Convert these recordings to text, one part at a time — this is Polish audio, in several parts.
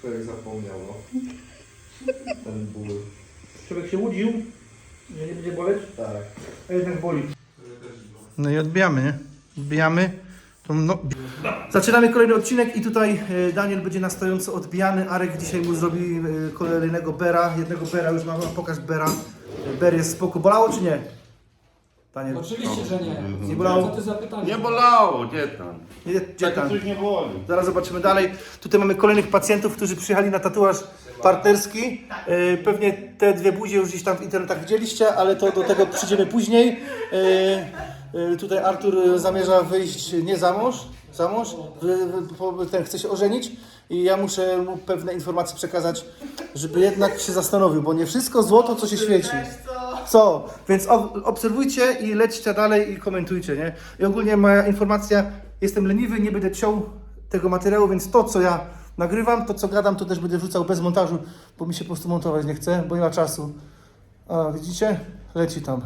Człowiek zapomniał, no. Ten ból. Człowiek się łudził, że nie będzie boleć, Tak. a jednak boli. No i odbijamy, nie? Odbijamy. No. Zaczynamy kolejny odcinek i tutaj Daniel będzie na stojąco odbijany. Arek dzisiaj mu zrobi kolejnego bera. Jednego bera już mamy, pokaż bera. Ber jest spoko. Bolało czy nie? Daniel? Oczywiście, że nie. Nie bolało? Co ty za pytanie? Nie bolało, gdzie tam? Gdzie tam? Coś nie boli. Zaraz zobaczymy dalej. Tutaj mamy kolejnych pacjentów, którzy przyjechali na tatuaż partnerski. Pewnie te dwie buzie już gdzieś tam w internetach widzieliście, ale to do tego przyjdziemy później. Tutaj Artur zamierza wyjść nie za mąż, ten chce się ożenić i ja muszę mu pewne informacje przekazać, żeby jednak się zastanowił, bo nie wszystko złoto, co się świeci. Co? Więc obserwujcie i lećcie dalej i komentujcie, nie? I ogólnie moja informacja, jestem leniwy, nie będę ciął tego materiału, więc to, co ja nagrywam, to, co gadam, to też będę wrzucał bez montażu, bo mi się po prostu montować nie chce, bo nie ma czasu. A, widzicie? Leci tam.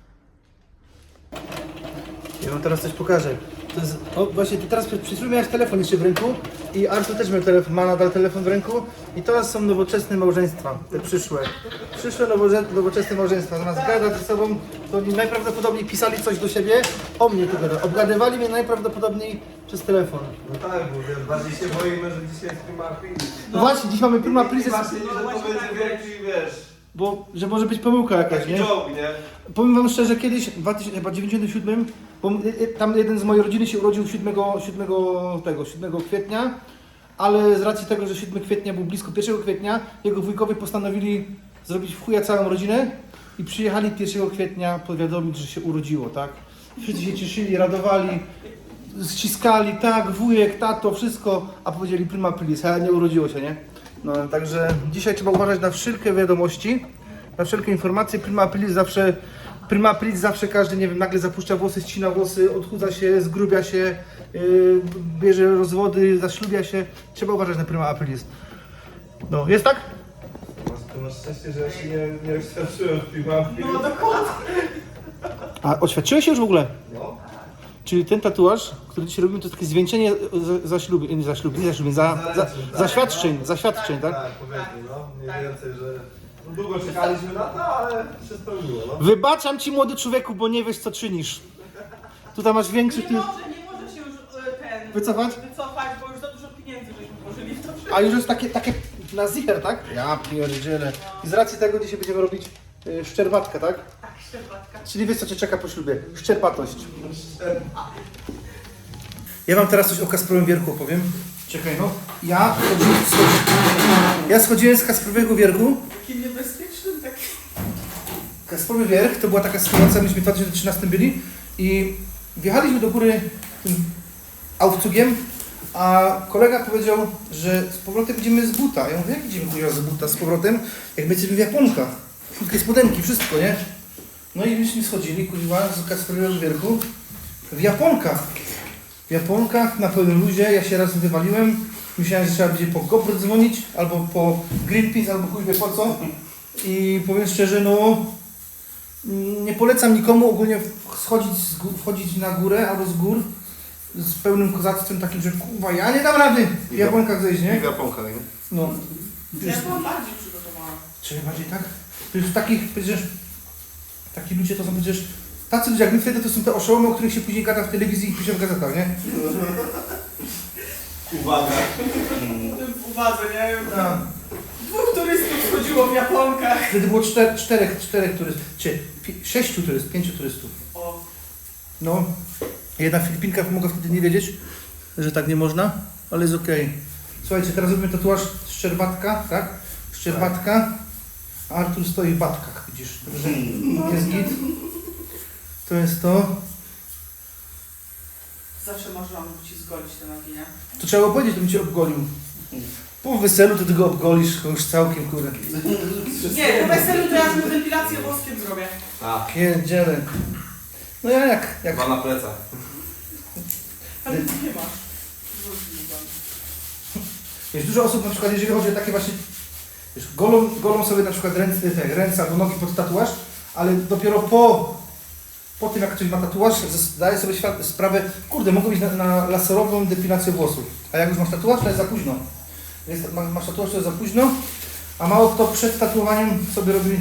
Ja wam teraz coś pokażę. To jest, właśnie ty teraz przed chwilą miałeś telefon jeszcze w ręku i Artur też miał telefon, ma nadal telefon w ręku i teraz są nowoczesne małżeństwa, te przyszłe. Przyszłe nowoczesne małżeństwa, zamiast gadać ze sobą, to oni najprawdopodobniej pisali coś do siebie, o mnie tu gada. Obgadywali mnie najprawdopodobniej przez telefon. No tak, bo wiesz, bardziej się boimy, że dzisiaj jest prima aprilis. No właśnie, dziś mamy prima aprilis, Właśnie, że to będzie wielki, wiesz, bo że może być pomyłka jakaś, taki nie? joke, nie? Powiem wam szczerze, kiedyś, w 1997, bo tam jeden z mojej rodziny się urodził 7 kwietnia, ale z racji tego, że 7 kwietnia był blisko 1 kwietnia, jego wujkowie postanowili zrobić w chuja całą rodzinę i przyjechali 1 kwietnia powiadomić, że się urodziło, tak? Wszyscy się cieszyli, radowali, ściskali, tak, wujek, tato, wszystko, a powiedzieli prima aprilis, a nie urodziło się, nie? No, także dzisiaj trzeba uważać na wszelkie wiadomości, na wszelkie informacje. Prima aprilis zawsze każdy, nie wiem, nagle zapuszcza włosy, ścina włosy, odchudza się, zgrubia się, bierze rozwody, zaślubia się. Trzeba uważać na prima aprilis. No, jest tak? Masz szczęście, że ja się nie rozświadczyłem w prima aprilis. No dokładnie. A oświadczyłeś się już w ogóle? No. Czyli ten tatuaż, który dzisiaj robimy, to jest takie zwieńczenie zaświadczeń, tak? Tak, powiedzmy, no. Mniej więcej, że no, długo czekaliśmy na to, ale się spełniło, no. Wybaczam ci, młody człowieku, bo nie wiesz, co czynisz. Tutaj masz większy... Nie może się już Wycofać? wycofać, bo już za dużo pieniędzy żeśmy włożyli w to wszystko. A już jest takie na zicher, tak? Ja pierdzielę. I z racji tego dzisiaj będziemy robić szczerbatkę, tak? Tak, szczerbatka. Czyli wiesz, co cię czeka po ślubie? Szczerbatość. Ja wam teraz coś o Kasprowym Wierchu opowiem. Czekaj, no. Ja schodziłem z Kasprowego Wierchu. Takim niebezpiecznym, takim... Kasprowy Wierch to była taka sytuacja, myśmy w 2013 byli i wjechaliśmy do góry tym aufcugiem, a kolega powiedział, że z powrotem idziemy z buta. Ja mówię, jak idziemy kurwa z buta z powrotem, jak my jesteśmy w Japonkach. Krótkie spodenki, wszystko, nie? No i myśmy schodzili, kurwa, z Kasprowego Wierchu w Japonkach. W Japonkach, na pełnym luzie, ja się raz wywaliłem. Myślałem, że trzeba będzie po GoPro dzwonić, albo po Greenpeace, albo chuj wie po co. I powiem szczerze, no nie polecam nikomu ogólnie wchodzić na górę albo z gór z pełnym kozactwem takim, że kurwa, ja nie dam rady w Japonkach zejść, nie? W Japonkach, nie? No. Ja byłam bardziej przygotowana. Czyli bardziej tak? To już takich, przecież, taki ludzie to są przecież, tacy ludzie jak my wtedy to są te oszołomy, o których się później gada w telewizji i pisze w gazetach, nie? Uwaga. W uwadze, nie? A. 2 turystów chodziło w Japonkach. Wtedy było 4 turystów, czy 6 turystów, 5 turystów. O, No, jedna Filipinka mogła wtedy nie wiedzieć, że tak nie można, ale jest okej. Słuchajcie, teraz robimy tatuaż Szczerbatka, tak? Szczerbatka, a Artur stoi w batkach, widzisz, także jest git. To jest to. zawsze marzyłam ci zgolić te nogi, nie? To trzeba było powiedzieć, to bym cię obgolił. Po weselu to ty go obgolisz, już całkiem kurde. Nie, po weselu to ja sobie depilację włoskiem zrobię. A, Pierdziele. No ja jak? dwa na plecach. Ale ty nie masz. Wiesz, dużo osób na przykład, jeżeli chodzi o takie właśnie, wiesz, golą sobie na przykład ręce albo nogi pod tatuaż, ale dopiero po tym jak ktoś ma tatuaż, zdaje sobie sprawę, kurde, mogę iść na laserową depilację włosów, a jak już masz tatuaż, to jest za późno. Masz tatuaż, to jest za późno, a mało kto przed tatuowaniem sobie robi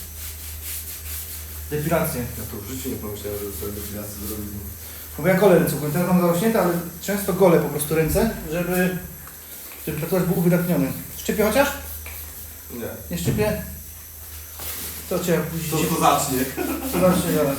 depilację. Ja to w życiu nie pomyślałem, że sobie depilację zrobimy. Bo ja golę ręce, teraz mam zarośnięte, ale często golę po prostu ręce, żeby tatuaż był uwydatniony. Szczypie chociaż? Nie. Nie szczypie? To cię później. To zacznie. To zacznie zaraz.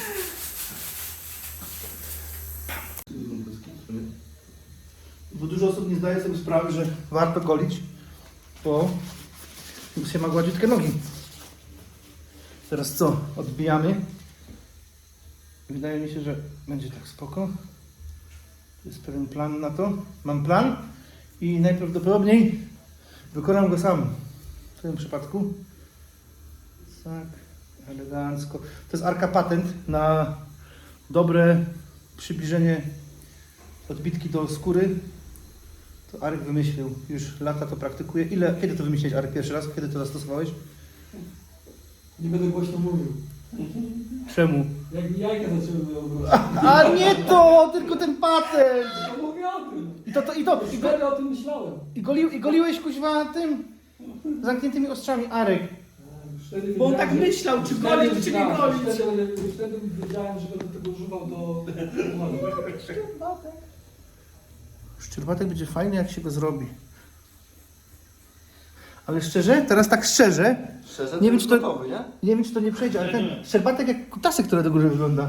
Bo dużo osób nie zdaje sobie sprawy, że warto golić, bo się ma gładziutkie nogi. Teraz co? Odbijamy. Wydaje mi się, że będzie tak spoko. Jest pewien plan na to. Mam plan i najprawdopodobniej wykonam go sam. W tym przypadku. Tak, elegancko. To jest Arka patent na dobre przybliżenie odbitki do skóry. To Arek wymyślił. Już lata to praktykuje. Kiedy to wymyśliłeś, Arek, pierwszy raz? Kiedy to zastosowałeś? Nie będę głośno mówił. Czemu? Jak jajka zaczęły wyobrażać. A nie to! Tylko ten patent! To mówię o tym. I Wtedy o tym myślałem. goliłeś kuźwa tym zamkniętymi ostrzami, Arek. Wtedy Bo on tak wiedziałem, myślał, czy wtedy golić, czy nie wiedziałem, golić. Wtedy wiedziałem, że będę tego używał do... Szczerbatek będzie fajny, jak się go zrobi. Ale szczerze, teraz tak szczerze, Szczerze, Nie wiem, czy to- gotowy, nie? nie wiem, czy to nie przejdzie, ale ten szczerbatek jak kutasek, który do góry wygląda.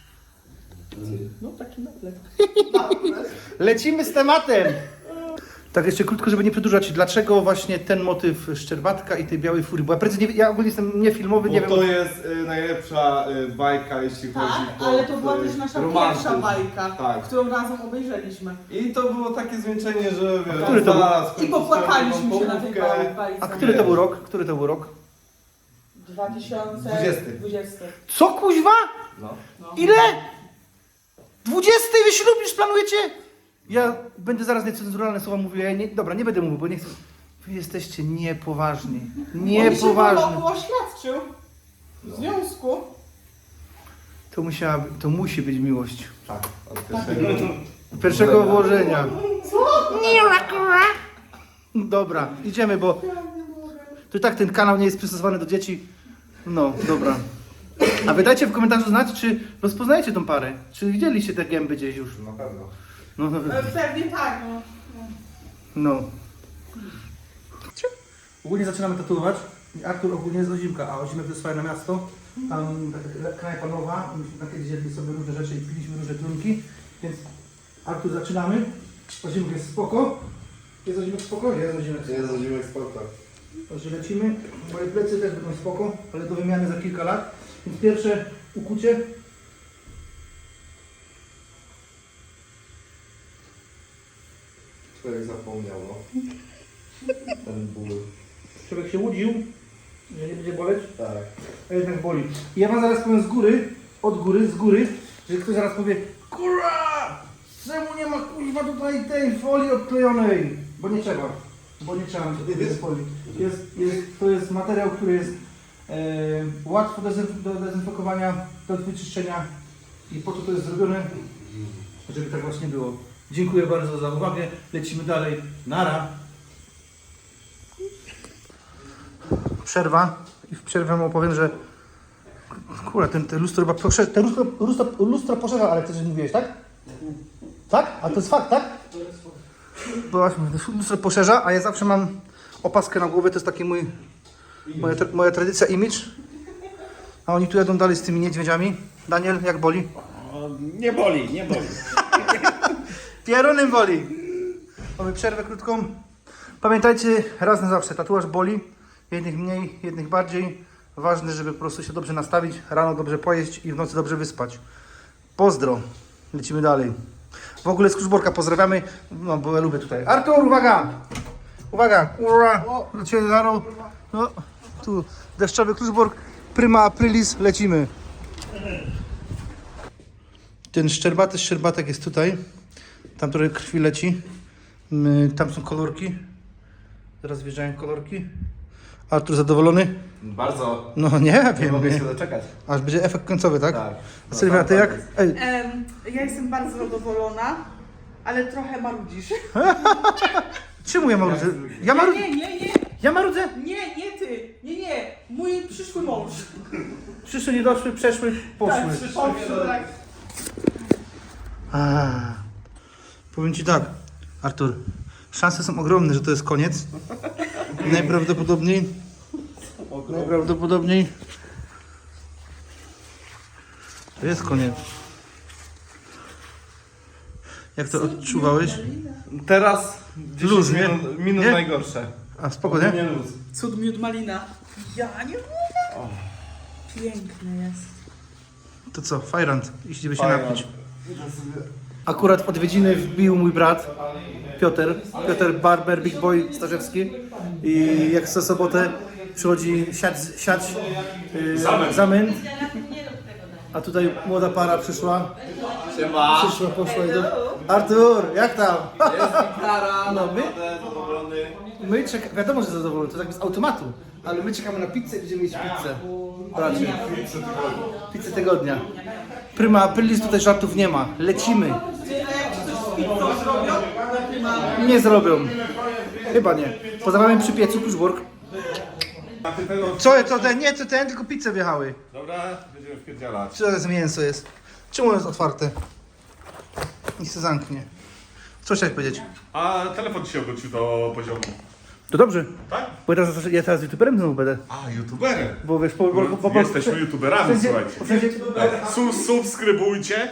No taki naplek. Lecimy z tematem! Tak, jeszcze krótko, żeby nie przedłużać. Dlaczego właśnie ten motyw szczerbatka i tej białej furii? Bo ja precyzyjnie, ja ogólnie jestem niefilmowy, nie Bo wiem. to jest najlepsza bajka, jeśli chodzi Tak, o ale to była też nasza romantyzm. pierwsza bajka, Tak. którą razem obejrzeliśmy. I to było takie zwieńczenie, że wiesz, który to był? zaraz I popłakaliśmy się na tej połówkę. bajce. A który to był rok? Który to był rok? 2020. Co kuźwa? No. No. Ile? 20 wy ślub już planujecie? Ja będę zaraz niecenzuralne słowa mówił, ja nie, dobra, nie będę mówił, bo nie chcę. Wy jesteście niepoważni. On się Niepoważni. wokół oświadczył w związku. To musi być miłość. Tak, od pierwszego. Pierwszego włożenia. Dobra, idziemy, bo to i tak ten kanał nie jest przystosowany do dzieci. No, dobra. A wy dajcie w komentarzu znać, czy rozpoznajecie tą parę. Czy widzieliście te gęby gdzieś już. Na pewno. No, Pewnie tak, no. no. Ogólnie zaczynamy tatuować. Artur ogólnie jest Ozimka, a Ozimek to jest fajne miasto. Tam taka knajpa nowa, myśmy takie zjedli sobie różne rzeczy i piliśmy różne trunki. Więc Artur zaczynamy. Ozimek jest spoko. Jest Ozimek spoko? Jest Ozimek spoko. Jest zimek sporta. Także lecimy. Moje plecy też będą spoko, ale do wymiany za kilka lat. Więc pierwsze ukucie. Człowiek zapomniał, no. Ten ból. Człowiek się łudził, że nie będzie boleć, Tak. a jednak boli. I ja wam zaraz powiem z góry, z góry, że ktoś zaraz powie: kurwa! Czemu nie ma kuźwa tutaj tej folii odklejonej? Bo nie trzeba tej folii. To jest materiał, który jest łatwo do dezynfekowania, do wyczyszczenia i po to jest zrobione, żeby tak właśnie było. Dziękuję bardzo za uwagę. Lecimy dalej. Nara. Przerwa i w przerwie mu opowiem, że kurwa, te lustro chyba poszerza, lustro poszerza, ale ty że mówiłeś, tak? Tak? A to jest fakt, tak? Bo właśnie lustro poszerza, a ja zawsze mam opaskę na głowie, to jest taki moja tradycja, image. A oni tu jadą dalej z tymi niedźwiedziami. Daniel, jak boli? Nie boli, nie boli. Pierunem boli. Mamy przerwę krótką. Pamiętajcie, raz na zawsze, tatuaż boli. Jednych mniej, jednych bardziej. Ważne, żeby po prostu się dobrze nastawić, rano dobrze pojeść i w nocy dobrze wyspać. Pozdro. Lecimy dalej. W ogóle z Kruszborka pozdrawiamy, no bo ja lubię tutaj. Artur, uwaga! Uwaga, ura! Do Ciebie, Zaro. No, tu deszczowy Kruszbork. Prima aprilis, lecimy. Ten szczerbatek jest tutaj. Tam trochę krwi leci. Tam są kolorki. Zaraz wjeżdżają kolorki. Artur zadowolony? Bardzo. No nie Nie wiem. mogę się doczekać. Aż będzie efekt końcowy, tak? Tak. A Sylwia, ty jak? Ej, Ja jestem bardzo zadowolona, ale trochę marudzisz. czemu Czemu ja marudzę? Ja marudzę? Nie. Ja marudzę? Nie ty. Nie. Mój przyszły mąż. Przyszły, nie doszły, przeszły, poszły. Poszły, tak. Powiem ci tak, Artur, szanse są ogromne, że to jest koniec. Najprawdopodobniej to jest koniec. Jak to odczuwałeś? Teraz Luz, nie? minut Nie? najgorsze. A spoko, nie? Nie luz. Cud miód malina. Ja nie mogę. Piękny jest. To co, fajrant, idziemy się Fajrant. napić. Akurat w odwiedziny wbił mój brat Piotr Barber, Big Boy Starzewski i jak co sobotę przychodzi siać zamęt. A tutaj młoda para przyszła. Siema. Poszła i do... Artur, jak tam? Jest gitara, No, my- zadowolony. My czekamy, wiadomo, że zadowolony, to tak z automatu, ale my czekamy na pizzę i będziemy mieć pizzę. Bracie. Pizzę tygodnia. Prima aprilis, tutaj żartów nie ma. Lecimy. Nie zrobią. Chyba nie. Pozdrawiam przy piecu, Pushwork. Co ten? Nie, to ten, tylko pizze wjechały. Dobra, będziemy wpierdzielać. Co to jest mięso jest? Czemu jest otwarte? Niech się zamknie. Co chciałeś powiedzieć? A telefon ci się obrócił do poziomu. To dobrze. Tak? Bo ja teraz youtuberem znowu będę. A, youtuberem. Bo wiesz, Jesteśmy youtuberami, słuchajcie. Subskrybujcie.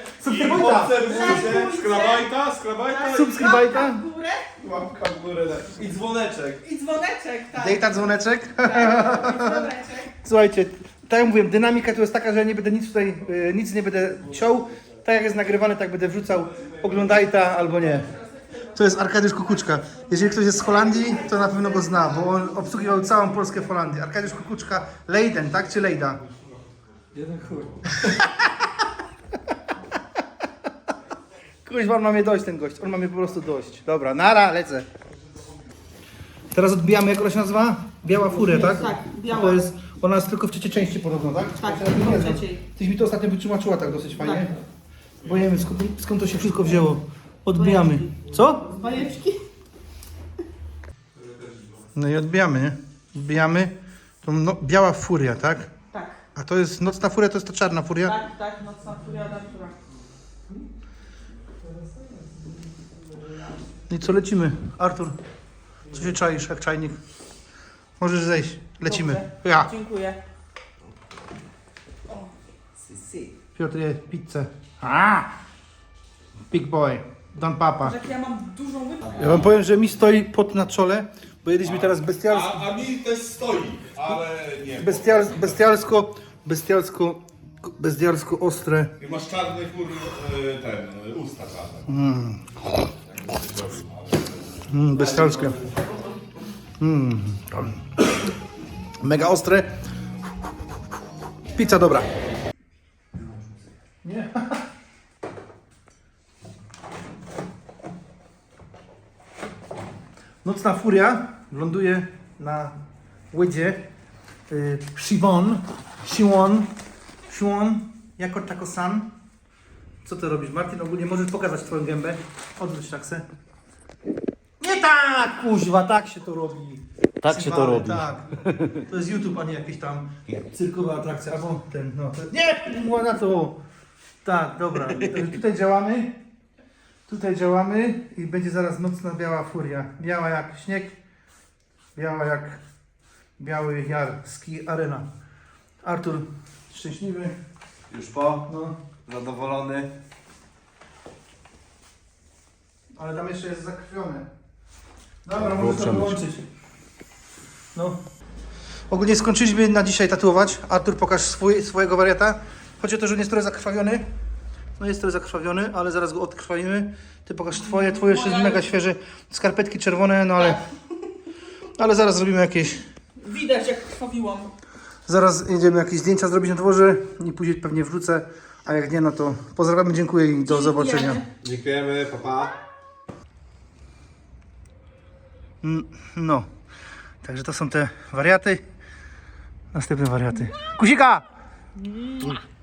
Skrabajta. Subskrybajta. W górę Łapka w górę. I dzwoneczek. i dzwoneczek, tak. Dejta dzwoneczek. Dzwoneczek. Słuchajcie, tak jak mówiłem, dynamika tu jest taka, że ja nie będę nic tutaj, nic nie będę ciął. Tak jak jest nagrywane, tak będę wrzucał. Oglądaj ta albo nie. To jest Arkadiusz Kukuczka. Jeżeli ktoś jest z Holandii, to na pewno go zna, bo on obsługiwał całą Polskę w Holandii. Arkadiusz Kukuczka, Leiden, tak? Czy Lejda? Jeden chuj. Kuźwa, on ma mnie dość, ten gość. On ma mnie po prostu dość. Dobra, nara, lecę. Teraz odbijamy, jak ona się nazywa? Biała Furia, tak? Tak, biała. To jest, ona jest tylko w trzeciej części podobno, tak? Tak, Ja nie tylko w wiem. trzeciej. Tyś mi to ostatnio wytłumaczyła tak dosyć fajnie. Tak. Bo nie wiem skąd to się wszystko wzięło. Odbijamy. Co? Bajeczki. No i odbijamy, nie? Odbijamy. To biała furia, tak? Tak, A to jest nocna furia, to jest ta czarna furia? tak, nocna furia Artura. No i co, lecimy? Artur, co się czaisz jak czajnik? Możesz zejść, lecimy. Dobrze. Ja. Dziękuję. O, si. Piotr je pizzę. Big boy, Don Papa. Jak ja mam dużą łypę. Ja wam powiem, że mi stoi pot na czole, bo jedliśmy teraz A mi też stoi, ale nie. bestialsko ostre. I masz czarny usta czarne. Bestialskie. Mega ostre. Pizza dobra. Nie. Nocna furia ląduje na łydzie Siwon, jako Taco-san. Co ty robisz, Martin? Ogólnie możesz pokazać twoją gębę. Odwróć taksę. Nie tak, kuźwa, tak się to robi. Tak się to robi. Tak. To jest YouTube, a nie jakieś tam cyrkowa atrakcja. Albo ten, no. Nie, była na to. Tak, dobra. Także tutaj działamy i będzie zaraz nocna biała furia. Biała jak śnieg, biała jak biały jar, ski arena. Artur, szczęśliwy. Już po. No, Zadowolony. ale tam jeszcze jest zakrwione. Dobra, możesz to wyłączyć. No. Ogólnie skończyliśmy na dzisiaj tatuować. Artur, pokaż swojego wariata. Chodzi o to, że on jest trochę zakrwawiony. No jest trochę zakrwawiony, ale zaraz go odkrwawimy. Ty pokaż twoje jeszcze jest mega świeże. Skarpetki czerwone, no ale zaraz zrobimy jakieś... Widać jak krwawiłam. Zaraz jedziemy jakieś zdjęcia zrobić na dworze i później pewnie wrócę. A jak nie, no to pozdrawiamy, dziękuję i do zobaczenia. Dziękujemy, papa. No, także to są te wariaty. Następne wariaty. Kusika!